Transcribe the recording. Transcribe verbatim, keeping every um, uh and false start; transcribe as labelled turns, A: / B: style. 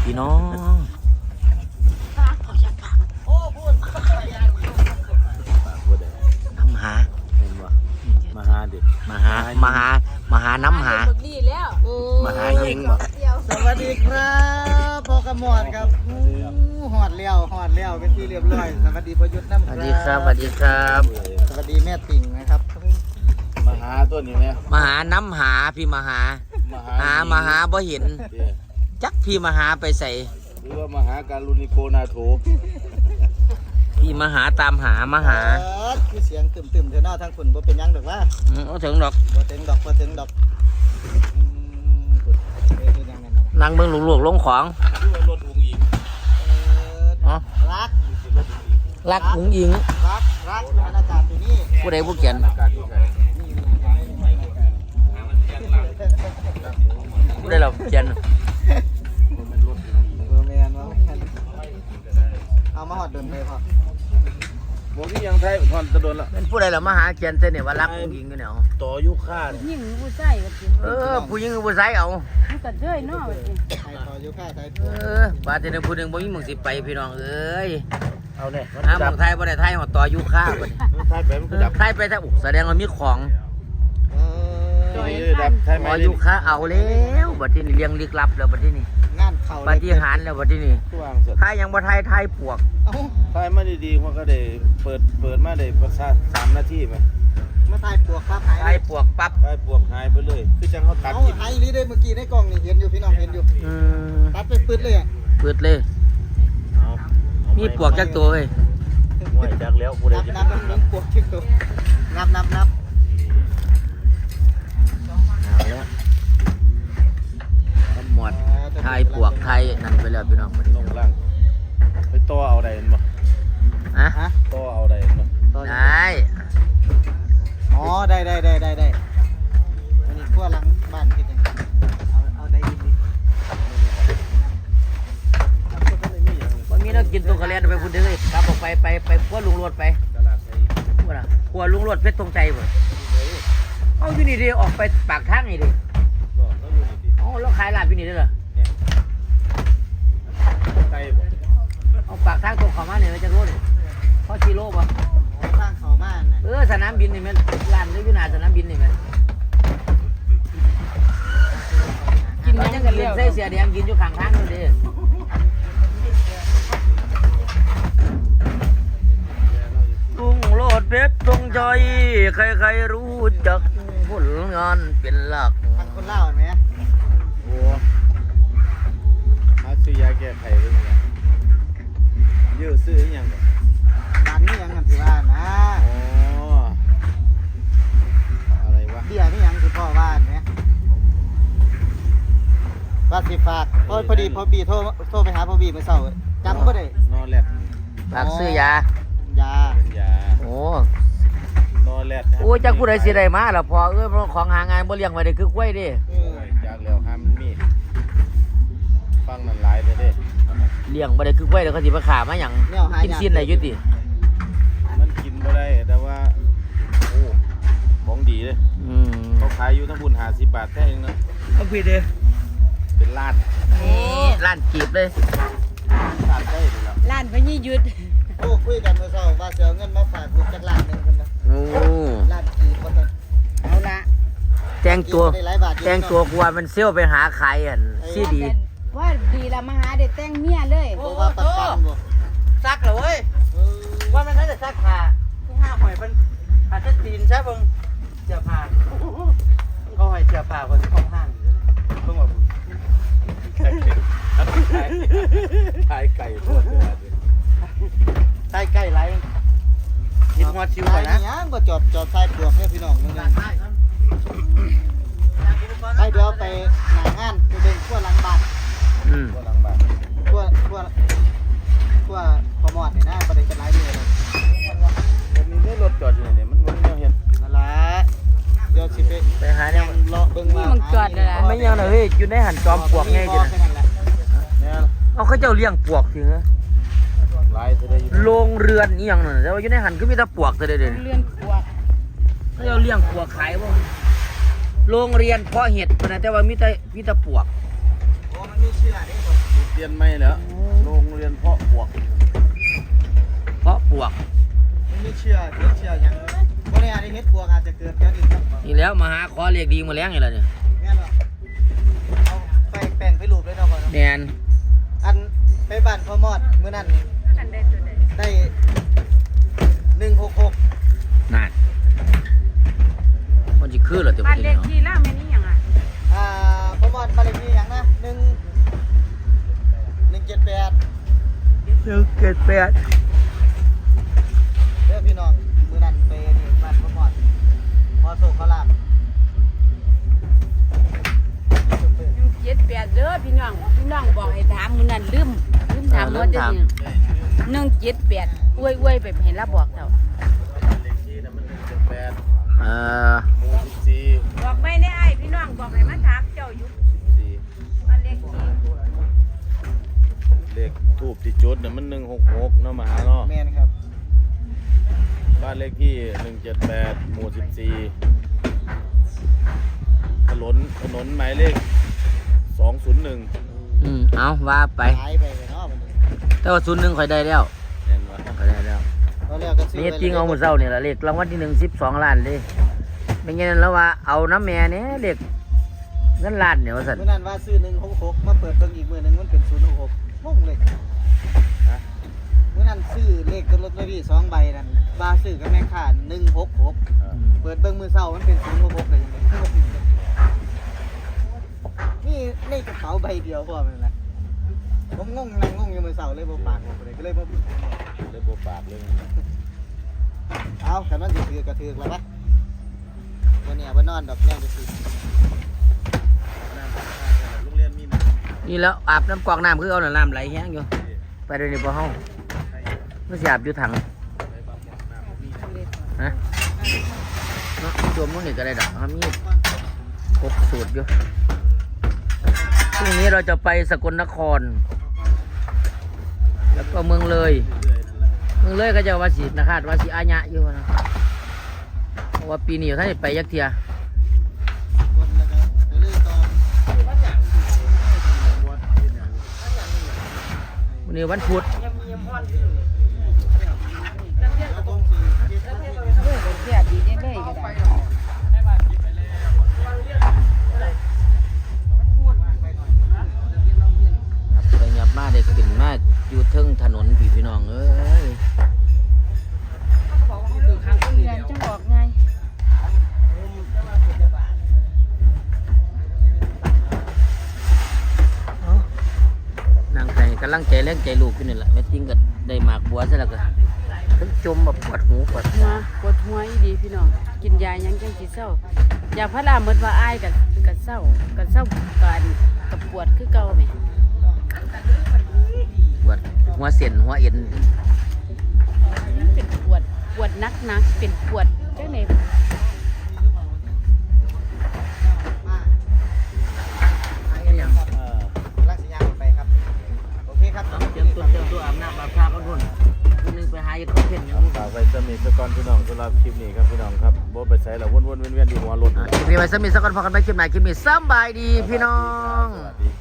A: พี่น้องน้ำหา
B: มาหาดิ
A: มาหามาหามาหาน้ำหามาหายิง
C: สวัสดีครับพ่อกระหมอดครับหอดเลี้ยวหอดเลี้ยวเป็นที่เรียบร้อยสวัสดีพยุทธ์น้ำ
A: สวัสดีครับสวัสดีครับ
C: สวัสดีแม่ติ่งนะครับ
B: มาหาตัวนี้ไหม
A: มาหาน้ำหาพี่มาหาหามาหาบ่เห็นจักพี่มาหาไปใส่
B: หรือว่ามาหาการุณิโกนาโถ
A: พี่มาหาตามหามาหา
C: คือเสียงตึมตึมเท่าน้าทั้งฝุ่นบ่เป็นยังดอกว่า
A: อืมเอาถึงดอก
C: บ่ถึงดอกบ่ถึงดอก
A: นางเบิ่งลูกๆลงของ
B: ชื่อว่ารถอุ้งอิง
A: อ๋อ
C: รัก
A: รักหุงอิง
C: รักรักบรรยากาศอยู่นี่
A: ผู้ใดผู้เขียน
B: อากาศที่ไหน
A: ผู้ใดเราเขียน
B: มันรถอุ้งอิง
C: เออแม่นว่าเอามาหอดเดินเลยพ่อ
B: บอกที่ยังไทยทอนตะโดนละ
A: เป็นผู้ใดเรามาหาเขียนเส้นเนี่ยว่ารักหุงอิงกันเนี่ย
B: ต่อยุค่า
D: ยิ่งผู้ชายก็จริง
A: เออผู้หญิงกับผู้ชายเอา
D: มันก็เด้ยเนาะว่าจริง
C: ไทยต่ออยู่ค่าไทย
A: เออบาดเจ็บผู้หนึ่งบ่มีหมึงสิไปพี่น้องเอ้ย
B: เอาเนี่ย
A: หาหมึงไทยบ่ได้ไทยหอดต่อยุค่าบ่นี่
B: ไทยไปมันก็ดับ
A: ไทยไปถ้าอุแสดงว่ามีของ
C: เออ
B: ดับไทย
A: ห
B: ไม่
A: อ
B: ได้
A: ยุค่าเอาแล้วบัดที่นี่เลี้ยงลึกลับแล้วบัดที่นี่
C: งานเข่า
A: ปาฏิหาริย์แล้วบัดที่นี่
B: ตัวอ่างสด
A: ไทยยังบ่ไทยไทยปวก
C: เอ้า
B: ไทยไม่ได้ดีเพราะก็ได้เปิดเปิดมาได้ประสาสามนาทีไหม
C: มาถ่ายปวกครับหาย
A: ไทยปวกปั๊บ
B: ไทยปวกหายไปเลยคือจังเขาตัด
C: เอา
B: กิน
C: หายลีได้เมื่อกี้ในกล้องนี่เห็นอยู่พี่น้องเห็นอยู่
A: อืม
C: ตัดไปปืดเลยอ่ะ
A: เปิดเลย
B: เอาเอา
A: มีปวกจักตัวเฮ้ย
B: ห่วยจักแล้วผู้ใด
C: นับ
B: จะ
C: นับนับนับปวกชิดตัวนับนับนับ
A: เอาแล้วตำหมวดไทยปวกไทยนั่นไปแล้วพี่น้องบัด
B: ล
A: นี้
B: งล่างไปต่อเอาใดมันบ่
A: ฮะ
C: ฮะ
B: ต่อเอาใดมันบ่
C: ต่อ
A: ได้
C: อ๋อได้ได้ได้ได้ได้วันนี้ขั้วหลังบ้านคิดยังเอาเอาได้ยินดีเอาคนนั้นเลยมีอย่าง
A: บ่มีแนักกินตัวกระเลียนไปพุ่นเด้อเฮ้ยกลับออกไปไปไปครัวลุงโรดไป
B: ตลาดไทย
A: ว่าล่ะครัวลุงโรดเพชรธงชัยบ่เอาอยู่นี่ดิออกไปปากทางนี่ดิ
B: ก็ต้องอยู่นี่ดิ
A: อ๋อแล้วขายลาบอยู่นี่เด้อเหรอ
B: ไก่บ่
A: เอาปากทางตรงเข้ามาเนี่ยมันจะรู้นี่พอกิโลป่ะ
C: สร้างเขาบ้านนะ
A: เออสนามบินนี่แม่นร้านได้อยู่หน้าสนามบินนี่แม่นกินมันยังกันเรียนใส่เสียแดงกินอยู่ข้างทางนู่นดิลุงโลดเพชรธงชัยใครๆรู้จักผลงานเป็นหลัก
C: ทางคนเล่าเห็นไหม
B: โอ้หาซื้อยาแก้ไขไว้เนี่ยเยอะซื้ออีหยังบ่
C: ร้านนี้ยังกันสิว่านะ
B: อ๋ออะไรวะ
C: เบี้ยนี่ยังคือพ่อบ้านไหมว่าสิฝากพอพอดีพอบีโทรโทรไปหาพอบีเมื่อเช้าจำก็ได้
B: นอนแลด
A: ฝากซื้อยาย
C: า
B: เป็นยา
A: โอ้
B: นอนแลด
A: โอ้จักผู้ใดสิได้มาล่ะพอเอ้ยมันของหางานบ่เลี้ยงไว้ได้คือกล้วยเดิ
C: เออ
B: จากแล้วห้ามมันมีฟังนั่นหลายเลยเด้
A: เลี้ยงบ่ได้คือกล้วยเดี๋ยวเขาสิมาขามาหยัง
C: แนวหา
A: กินสิ้นได้อยู่ติ
B: มันกินบ่ได้แต่ว่าโอ้ของดีเลย
A: อืม
B: เขาขายอยู่ทั้งบุญห้าสิบบาทแค่เองนะ
A: เอาพี่เด้
B: เป็นลาด
A: นี่ร้านกีบเลย
B: ลาดได้เลยแล้ว
D: ร้านพญหยุด
C: โอ้คุยกันเมื่อเช้าว่าจะเอาเงินมาฝากลูกจักล้านหนึงคนนะ
A: โอ้
C: ล้านกี่คนนะ
D: เอาละ
A: แต่งตัว
C: ได้หลายบาทอยู่
A: แต่งตัวกลัวมันเซี่ยวไปหาใครอันซีดี
D: ว่าดีละมาหาได้แต่งเมียเลย
C: เพราะว่าประกันบ่
A: ซักเหรอเว้ย
C: เออ
A: ว่ามันน่าจะซักขาที่ห้าหอยมันอาจจะตีนใช่เบิ่งเสื้อผ้าเขาให้เสื้อผ้าคนของห้าง
B: เพิ่งมาพูดขายไก่พวกเดียวกัน
A: ใกล้ใกล้ไรกินหัวชิวก่อนนะ
C: ตายยังบ่จอดจอดใส่ปลวกเนี่ยพี่น้องนึงๆไปเดี๋ยวไปหน้างานไปเดินขั้วหลังบ้าน
A: อืม
B: ก็ลังบ้าน
C: ขั้วขั้วขั้วขมอดนี่นะบ่ได้เป็นหลายมื้อเลย
B: วันนี้ได้รถจอดอยู่เนี่ยมันมันเห็น
C: นั่นล่ะเดี๋ยวสิไป
A: ไปหาเนี่ย
C: ยังเลาะเบิ่งว่า
D: นี่มันจอดเลยล่ะ
A: ไม่ยังเลยเฮ้ยอยู่ในหันจอมปลวกไงจ้ะ
C: แค่นั้นแหละ
B: เนี่ย
A: เอาเขาเจ้าเลี้ยงปลวกถึงเหรอ
B: ลายเธอได้อยู่
A: โรงเรือนอีหยังนั่นแต่ว่าอยู่ในหันก็มีแต่ปลวกเท่าเด้เด้
D: เรือนขวก
A: เขาเจ้าเลี้ยงปลวกขายบ่โรงเรียนเพาะเห็ดพุ่นน่ะแต่ว่ามีแต่มีแต่ปลวก
C: โอ้มันมีเชื่อเด้บ่
A: ม
B: รียนไม่แล้วโรงเรียนเพาะบวก
A: เพราะปวก
C: มันไม่เชื่อเฮ็ดเชื่อหยังบ่ได้อาจจะเฮ็ดพวกอาจจะเกิดแค่นี้ครับ
A: นี่แล้วมาหาขอเรียกดีมาแล้งนี่แหละเนี่ย
C: แม่นบ่เอาไปแป้งไปรูปเลยเนาะพ่อเนาะ
A: แมน
C: อันไปบ้านพ่อมอดมื้อนั้นนี่
D: อันใดตัวใด
C: ได้หนึ่งหกหก
A: นั่นมันจะคือเหรอเต็ม
D: บ้าน
A: ที่
D: เล
A: เนาะ
D: ขที่ล่าแม่นี่หยังอ่ะ
C: อ่าพ่อมอดบ้านเลขที่หยังนะหนึ่งหนึ่งเจ็ดแปด
A: หนึ่งเจ็ดแปด
C: เด้อพี่น้องมื้อนั้นไปนี่บ้านพ่อมอดพอโศกขลาบ
D: เจ็ดแปดเด้อพี่น้องพี่น้องบอกให้ถามมื้อนั้นลืมลืมถามว่าจะนี่หนึ่งเจ็ดแปดอวยๆไปให้รับบอกเจ้า
B: เลขที่น่ะมันหนึ่งเจ็ดแปด
A: เอ่อ
B: หมู่สิบสี่
D: บอกไม่ได้ไอ้พี่น้องบอกให้มาถามเจ้าอยู่
B: สี่
D: บ้านเลขที่
B: เลขทูบที่จุดน่ะมันหนึ่งหกหกเนาะมาหาเนาะ
C: แม่นครับ
B: บ้านเลขที่หนึ่งเจ็ดแปดหมู่สิบสี่ถนนถนนหมายเลขสองศูนย์หนึ่ง
A: อืมเอาว่าไป
C: หายไปเลยเนาะมันนี้
A: แต่ว่าศูนย์หนึ่งข่อยได้แล้ว
B: เห็นว่า
A: ข่อยได้แล้ว
C: ตอนแรกก็ซื้อ
A: นี่จริงเอาหมดเศร้าเนี่ยละเลขรางวัลที่หนึ่งสิบสองล้านเลยเป็นไงนั้นแล้วว่าเอาน้ำแม่เนี่ยเลขเงินล้านเนี่ยว่าสัน
C: มื้อนั้นว่าซื้อหนึ่งหกหกมาเปิดเบิ่งอีกมื้อหนึงมันเป็นศูนย์หกหกงงเลย
B: ฮะ
C: มื้อนั้นซื้อเลขตัวลอตเตอรี่สองใบนั่นว่าซื้อกับแม่ค้าหนึ่งหกหก
B: เออ
C: เปิดเบิ่งมือเช้ามันเป็นศูนย์หกหกเลยยังไงนี่ในกระเป๋าใบเดียวพอมันนะผมงงนั่งงงอยู่มือเช้าเลยบ่ปากบอกเลยก็เลยบ่
B: เลยโบปากเลย
C: เอาแต่มันสิถือกระถือกแล้วปะวันนี้บ่นอนดอกแม่จะสิ
B: น้ำโรงเรียนมีน้ำ
A: นี่แล้วอาบน้ำกรอกน้ำคือเอาน้ำไหลแห้งอยู่ไปเดี๋ยวนี้พอเฮาไม่สิอาบอยู่ถังฮะเนาะตัวมันนี่ก็ได้ดอกมันมีครบสูตรอยู่พรุ่งนี้เราจะไปสกลนคร แล้วก็เมืองเลยเมืองเลยก็จะว่าสินะคาดว่าสิอาญะอยู่นะเพราะว่าปีนี้ท่านได้ไปยักเทีย
C: คนแล้วก็ไปเลยตอน
A: วันนี้วันพุธ
C: แล้วต้องสิเก็บ
D: เด้อเสียดีได้เลยก็ได้
A: ครับไปหยับมาได้ขึ้นมาอยู่เทึงถนนพี่พี่น้องเอ้ย
D: เรียนจังบอกไง
A: นางไก่กำลังใจแรงใจลูกอยู่นี่แหละแม่ติ้งก็ได้หมากบัวซะแล้วก็ทั้งจมแบบปวดหูปวด
D: หัวปวดหัวอีดีพี่น้องกินยายังจังสิเศร้ายาพาราหมดว่าอ้ายกับกับเศร้ากับเศร้ากันกับปวดคือเก่าแหม
A: ปวดหัวเส้นหัวเอ็น
D: เป็นปวดปวดนักนักๆเป็นปวดจังไหน
C: มาอันนี้ยังครับ
B: เออ
C: ลักษณะไปครับโอเคครับ
A: เตรียมตัวเตรียมตัวอาบน้ำอาบท่ากันรุ่นคนนึงไปหาอยู่เขาเพ่น
B: ครับฝากไว้สมิธก่อนพี่น้องสำหรับคลิปนี้ครับพี่น้องครับโบไปใส่แล้ววนๆเวียนๆอยู่หัวรถ
A: คลิปนี้ไว้สมิธสักคนพอกันไปคลิปไหนคลิปนี้สำบายดีพี่น้อง
B: สวัสดี